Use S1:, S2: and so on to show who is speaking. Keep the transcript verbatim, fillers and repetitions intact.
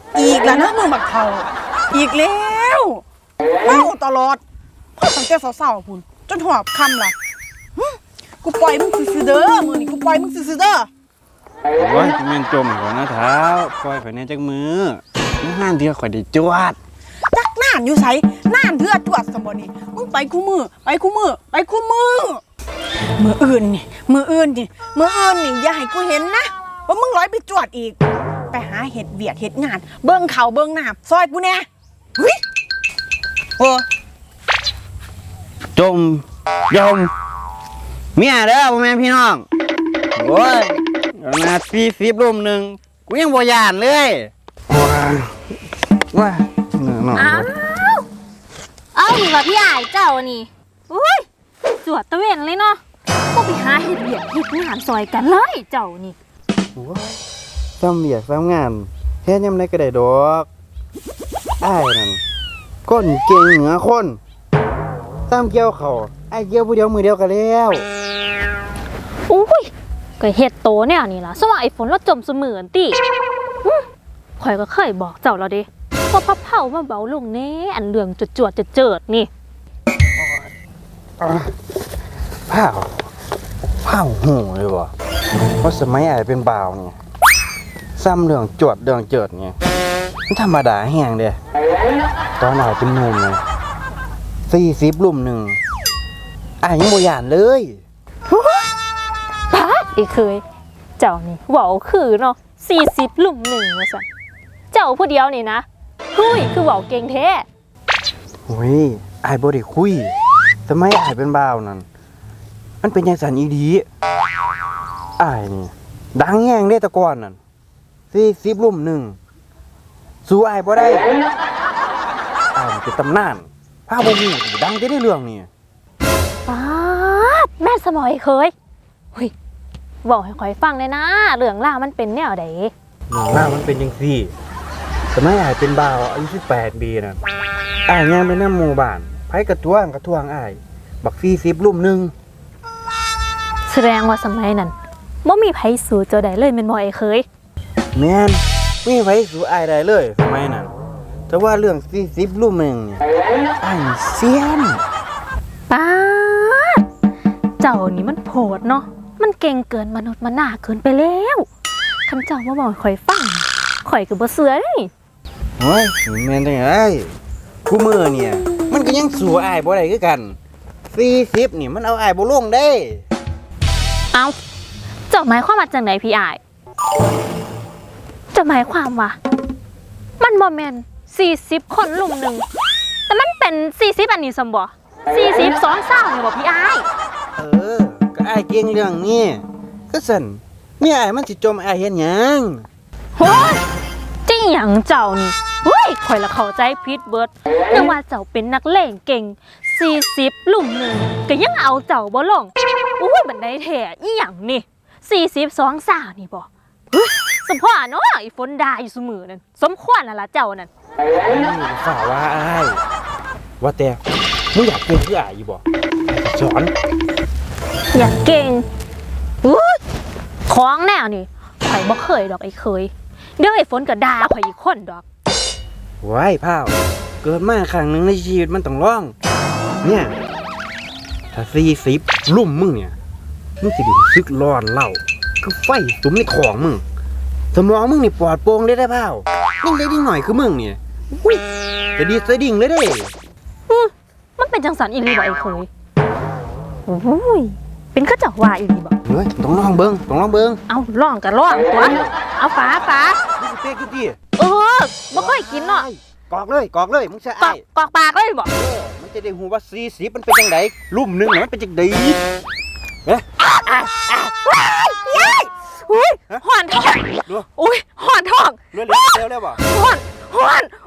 S1: อีกแล้วนะมึงบักเทาอีกแล้วเมาตลอดพ่อตั้งแต่สาวๆพุ่นจนหอบคำล่ะกูปล่อยมึงซื่อๆเด้อมือนี่กูปล่อยมึงซื่อๆเด้อ
S2: โอ้ยแม่นจมก่อนนะเท้าปล่อยข่อยแน่จักมือมื้อห้านเดียวข่อยได้จวด
S1: จักน่านอยู่ไสน่านเถื่อจวดสมบ่นี่มึงไปคู่มือไปคู่มือไปคู่มือมืออื่นนี่มืออื่นนี่มืออื่นนี่อย่าให้กูเห็นนะว่ามึงร้อยไปจวดอีกไปหาเห็ดเวียกเห็ดงานเบิ่งเขาเบิ่งน้ำซอยกูแน่เฮ้ยโอ้
S2: จมยมเมียเด้อพ่อแม่พี่น้องโอ้ยนาทีสิบรุ่มหนึ่งกูยังบ่ยานเลยว้าว้า
S3: อ้าวเอาดีกว่าพี่ใหญ่เจ้านี่อุ้ยจวดตะเวนเลยเนาะก็ไปหาเห็ดเบียดเห็ดงานซอยกันเลยเจ้านี่
S2: ซ้ำเบียกซ้ำงานเฮ็ดยังไงก็ได้ดอกอ้ายนั่นคนเก่งเหนือคนซ้ำเกี่ยวเขาไอ้เกี่ยวผู้เดียวมือเดียวกันแล้ว
S3: อุ้ยก็เห็ดโตเนี่ยนี่ล่ะสว่าไอ้ฝนเราจมเสมือนติข่อยก็เคยบอกเจ้าแล้วเด้พอพับเผามาเบาลงแน่อันเรื่องจวดจวดจะเจิดนี่
S2: เผาเผาหูเลยบ่เพราะสมัยไอ้เป็นบ่าวเนี่ยซ้ำเรื่องจวดเรื่องเจิดเนี่ยมันธรรมดาแห้งเด้ตอนไอ้เป็นหนุ่มเนี่ยสี่สิบลุ่มหนึ่งไอ้ยังบ่ยานเลย
S3: ป้าอีเคยเจ้านี่เว้าคือเนาะสี่สิบลุ่มหนึ่งว่าซั่นเจ้าผู้เดียวนี่นะคุยคือเว้าเก่งแท้
S2: โอ้ยไอ้บ่ได้คุยสมัยไอ้เป็นบ่าวนั่นมันเป็นจังซั่นอีหลีไอ้นี่ดังแห้งเด้แต่ก่อนนั่นสี่สิบลุ่มหนึ่งสู้ไอ้บ่ได้ไอ้เป็นตำนานพาบ่ฮู้ดังจะได้เรื่องนี่
S3: ป้าแม่สมอยเคยหุยบอกให้ข่อยฟังเลยนะเรื่องล่ามันเป็นแนวใด
S2: เรื่องล่ามันเป็นจังซี่สมัยอ้ายเป็นบ่าวอายุสิบแปดปีน่ะอ้ายย่างไปนำหมู่บ้านไผกระท้วงกระท้วงอ้ายบักสี่สิบลุ่มหนึ่ง
S3: แสดงว่าสมัยนั้นบ่มีไผสู้เจ้าได้เลยแม่นบ่ไอ้เคย
S2: แม่นมีไผสู้อ้ายได้เลยสมัยนั้นแต่ว่าเรื่องสี่สิบลุ่มหนึ่งนี่อ้ายเซียน
S3: ป้าเจ้านี่มันโผดเนาะมันเก่งเกินมนุษย์มนาเกินไปแล้วคำเจ้ามาบอกข่อยฟังข่อยก็บ่เชื่อเด้
S2: โอ้ยแม่นจังได๋คู่มือเนี่ยมันก็ยังสู้อ้ายบ่ได้คือกันสี่สิบนี่มันเอาอ้ายบ่ลงเด้
S3: เอ้าเจ้าหมายความว่าจังได๋พี่อ้ายเจ้าหมายความว่ามันบ่แม่นสี่สิบคนลุมหนึ่งแต่มันเป็นสี่สิบอันนี้ซั่นบ่สี่สิบสองสาวนี่บ่พี่อ้าย
S2: เออก็อ้ายเก่งเรื่องนี้ก็สั่นเมียอ้ายมันสิจมอ้ายเฮ็ดหยัง
S3: โฮ้ยจิหยังเจ้านี่เฮ้ยข่อยละเข้าใจผิดเบิดนึกว่าเจ้าเป็นนักเลงเก่งสี่สิบลุมหนึ่งก็ยังเอาเจ้าบ่ลงโอ้ยบันไดแท้อีหยังนี่สี่สิบสองสาวนี่บ่สมพรเนาะไอ้ฝนด่าอยู่เสมอนั่นสมควรแล้วล่ะเจ้านั่น
S2: ฝ่าว่าอ้ายว่าแต่มึงอยากเก่งคืออ้ายอยู่บ่สอน
S3: อยากเก่งอุ้ยของแนวนี่ข่อยบ่เคยดอกไอ้เคยเดี๋ยวไอ้ฝนก็ด่าข่อยอีกคนดอก
S2: ว้ายพ่าวเกิดมาครั้งหนึ่งในชีวิตมันต้องร้องเนี่ยถ้าสี่สิบลุ่มมึงเนี่ยมึงสิดูซึกร้อนเล่าคือไฟสุมในของมึงสมองมึงนี่ปลอดโปร่งเลยได้พ่าวยิ่งได้ยิ่งหน่อยคือมึงเนี่ยอุ้ยจะดีจะดิ่งเลยเด้
S3: มันเป็นจังสันอีหลีบ่ไอ้เคยโอ้ยเป็นข้าเจ้าว่าอีหลีบ่
S2: เฮ้ยต้องลองเบิ้งต้องลองเบิ้ง
S3: เอาลองกันลองตัวเอาฝาฝา
S2: มึงเป๊กกินดิ
S3: เออบ่ค่อยกินเนาะ
S2: กอกเลยกอกเลยมึงจะไอ้
S3: กอกปากเลยบ่
S2: มันจะได้หูว่าสี่สิบมันเป็นจังไดลุ่มหนึ่งมันเป็นจังไดเอ๊ะ
S3: อุ้ยห่อนท้องอุ้ยห่อนท้อง
S2: เร็วเร็วเร็วเร็วบ่
S3: ห่อนห่อน